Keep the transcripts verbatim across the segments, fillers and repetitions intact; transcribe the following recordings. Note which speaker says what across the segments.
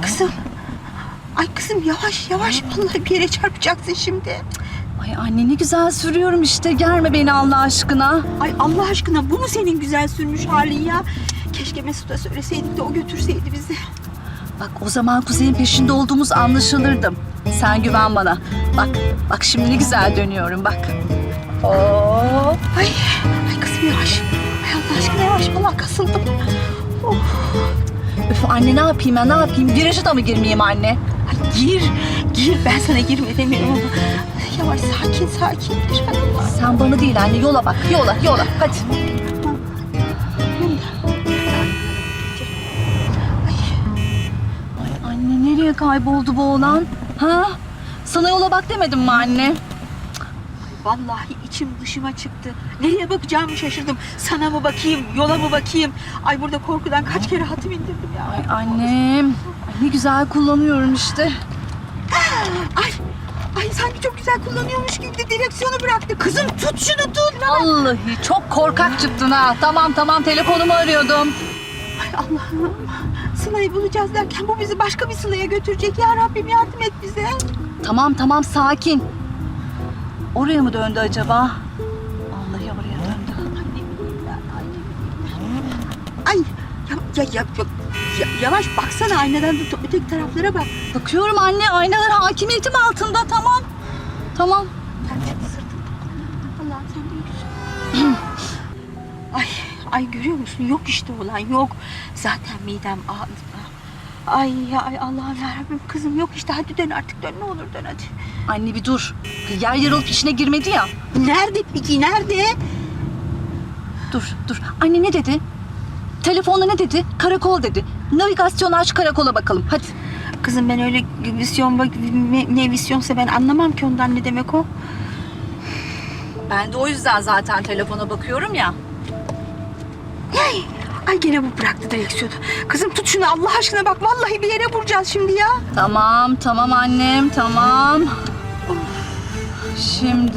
Speaker 1: kızım. Ay kızım yavaş yavaş, vallahi bir yere çarpacaksın şimdi.
Speaker 2: Ay anne ne güzel sürüyorum işte. Germe beni Allah aşkına.
Speaker 1: Ay Allah aşkına, bu mu senin güzel sürmüş halin ya? Keşke Mesut'a söyleseydik de o götürseydi bizi.
Speaker 2: Bak o zaman Kuzey'in peşinde olduğumuz anlaşılırdım. Sen güven bana. Bak, bak şimdi ne güzel dönüyorum bak. Oo.
Speaker 1: Ay, ay kızım yavaş. Ay Allah aşkına yavaş, vallahi kasıldım. Oh.
Speaker 2: Öf anne ne yapayım ben ne yapayım? Viraja da mı girmeyeyim anne?
Speaker 1: Ay gir, gir. Ben sana girme demiyorum ama. Yavaş, sakin sakin gir. Hay Allah.
Speaker 2: Sen bana değil anne, yola bak, yola, yola. Hadi. Ay anne nereye kayboldu bu oğlan? Ha? Sana yola bak demedim mi anne?
Speaker 1: Vallahi içim dışıma çıktı. Nereye bakacağımı şaşırdım. Sana mı bakayım, yola mı bakayım? Ay burada korkudan kaç kere hatım indirdim ya.
Speaker 2: Ay annem, ay ne güzel kullanıyorum işte.
Speaker 1: Ay, ay sanki çok güzel kullanıyormuş gibi de direksiyonu bıraktı. Kızım tut şunu tut.
Speaker 2: Vallahi çok korkak çıktın ha. Tamam tamam telefonumu arıyordum.
Speaker 1: Ay Allah'ım. Sıla'yı bulacağız derken bu bizi başka bir Sıla'ya götürecek. Ya Rabbim yardım et bize.
Speaker 2: Tamam tamam sakin. Oraya mı döndü acaba? Vallahi oraya döndü.
Speaker 1: Ay ya, ya, ya, ya, yavaş baksana aynadan da öteki taraflara bak.
Speaker 2: Bakıyorum anne aynalar hakimiyetim altında tamam. Tamam.
Speaker 1: Allah'ım sen büyüksün. Ay, ay görüyor musun? Yok işte olan yok. Zaten midem ağrıdı. Ay ya ay Allah'ım yarabbim kızım yok işte, hadi dön artık dön, ne olur dön hadi.
Speaker 2: Anne bir dur. Yer yarılıp içine girmedi ya.
Speaker 1: Nerede peki nerede?
Speaker 2: Dur dur. Anne ne dedi? Telefonda ne dedi? Karakol dedi. Navigasyon aç karakola bakalım hadi.
Speaker 1: Kızım ben öyle visyon bak ne, ne visyonsa ben anlamam ki ondan, ne demek o?
Speaker 2: Ben de o yüzden zaten telefona bakıyorum ya.
Speaker 1: Ay, ay gene bu bıraktı direksiyonu. Kızım tut şunu Allah aşkına, bak vallahi bir yere vuracağız şimdi ya.
Speaker 2: Tamam tamam annem tamam. Şimdi...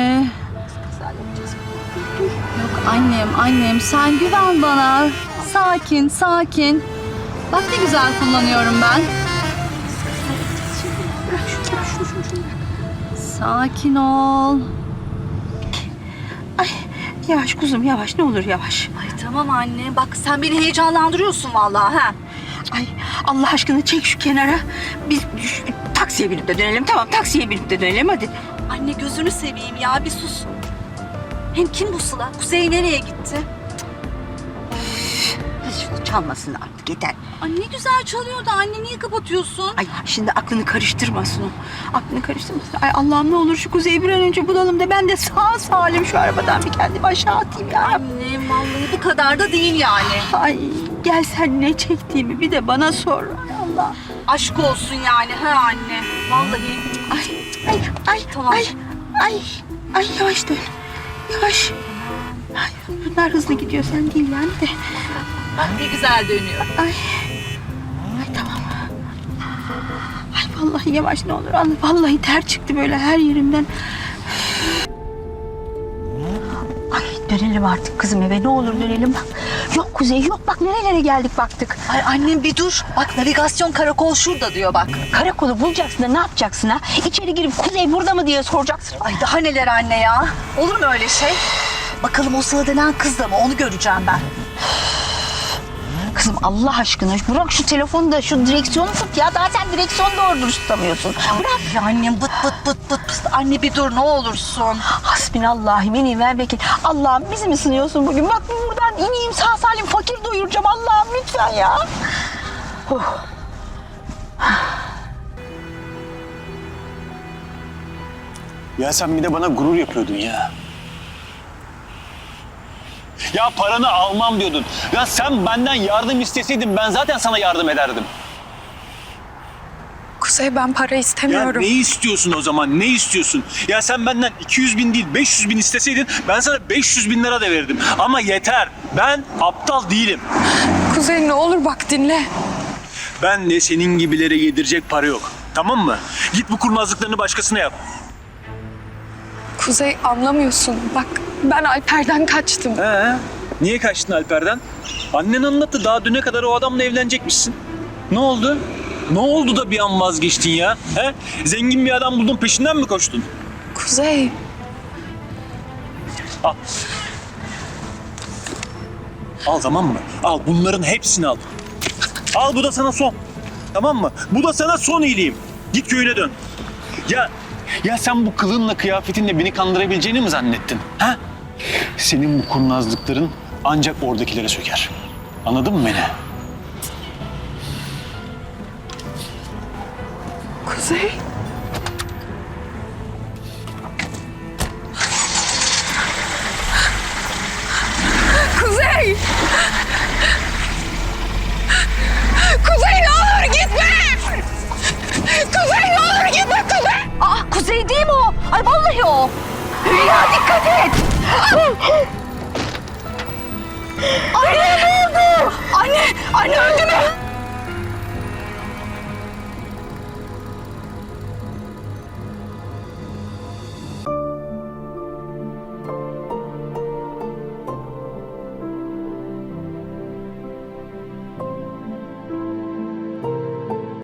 Speaker 2: Yok annem annem sen güven bana. Sakin sakin. Bak ne güzel kullanıyorum ben.
Speaker 1: Bırak şunu bırak şunu şunu, şunu bırak.
Speaker 2: Sakin ol.
Speaker 1: Ay yavaş kuzum yavaş, ne olur yavaş.
Speaker 2: Ay tamam anne bak sen beni heyecanlandırıyorsun vallahi ha.
Speaker 1: Ay Allah aşkına çek şu kenara. Biz şu, taksiye binip de dönelim, tamam taksiye binip de dönelim hadi.
Speaker 2: Anne gözünü seveyim ya bir sus. Hem kim bu Sıla? Kuzey nereye gitti?
Speaker 1: Şunu çalmasın artık yeter.
Speaker 2: Ay ne güzel çalıyordu anne niye kapatıyorsun?
Speaker 1: Ay şimdi aklını karıştırmasın o. Aklını karıştırmasın. Ay Allah'ım ne olur şu Kuzey'i bir an önce bulalım da ben de sağ salim şu arabadan bir kendimi aşağı atayım ya.
Speaker 2: Anne vallahi bu kadar da değil yani.
Speaker 1: Ay gel sen ne çektiğimi bir de bana sor. Ay Allah.
Speaker 2: Aşk olsun yani ha anne. Vallahi.
Speaker 1: Ay ay ay
Speaker 2: Tamam.
Speaker 1: ay ay ay yavaş dön. Yavaş. Ay, bunlar hızlı gidiyor sen değil yani de.
Speaker 2: Bak ne güzel dönüyor.
Speaker 1: Ay. Ay tamam. Ay vallahi yavaş ne olur. Allah vallahi ter çıktı böyle her yerimden. Ay dönelim artık kızım eve, ne olur dönelim. Bak yok Kuzey yok, bak nerelere geldik baktık.
Speaker 2: Ay annem bir dur. Bak navigasyon karakol şurada diyor bak.
Speaker 1: Karakolu bulacaksın da ne yapacaksın ha? İçeri girip Kuzey burada mı diye soracaksın.
Speaker 2: Ay daha neler anne ya. Olur mu öyle şey? Bakalım o Sıla denen kız da mı? Onu göreceğim ben.
Speaker 1: Kızım Allah aşkına bırak şu telefonu da şu direksiyonu tut ya. Daha sen direksiyonu doğru dürüst tutamıyorsun.
Speaker 2: Bırak. Ya annem bıt bıt bıt bıt pıst. Anne bir dur ne olursun.
Speaker 1: Hasbinallahü ve ni'mel vekil. Allah'ım bizi mi sınıyorsun bugün? Bak buradan ineyim sağ salim fakir doyuracağım. Allah'ım lütfen ya. Oh.
Speaker 3: Ya sen bir de bana gurur yapıyordun ya. Ya paranı almam diyordun. Ya sen benden yardım isteseydin ben zaten sana yardım ederdim.
Speaker 4: Kuzey ben para
Speaker 3: Ya
Speaker 4: istemiyorum.
Speaker 3: ne istiyorsun o zaman? Ne istiyorsun? Ya sen benden iki yüz bin değil beş yüz bin isteseydin ben sana beş yüz bin lira da verirdim. Ama yeter. Ben aptal değilim.
Speaker 4: Kuzey ne olur bak dinle.
Speaker 3: Ben de senin gibilere yedirecek para yok. Tamam mı? Git bu kurnazlıklarını başkasına yap.
Speaker 4: Kuzey anlamıyorsun. Bak ben Alper'den kaçtım.
Speaker 3: He? Niye kaçtın Alper'den? Annen anlattı daha düne kadar o adamla evlenecekmişsin. Ne oldu? Ne oldu da bir an vazgeçtin ya? He? Zengin bir adam buldun, peşinden mi koştun?
Speaker 4: Kuzey,
Speaker 3: Al. Al, tamam mı? Al, bunların hepsini al. Al, bu da sana son. Tamam mı? Bu da sana son iyiliğim. Git köyüne dön. Ya ya sen bu kılığınla, kıyafetinle beni kandırabileceğini mi zannettin? Ha? Senin bu kurnazlıkların ancak oradakilere söker. Anladın mı beni?
Speaker 4: Kuzey.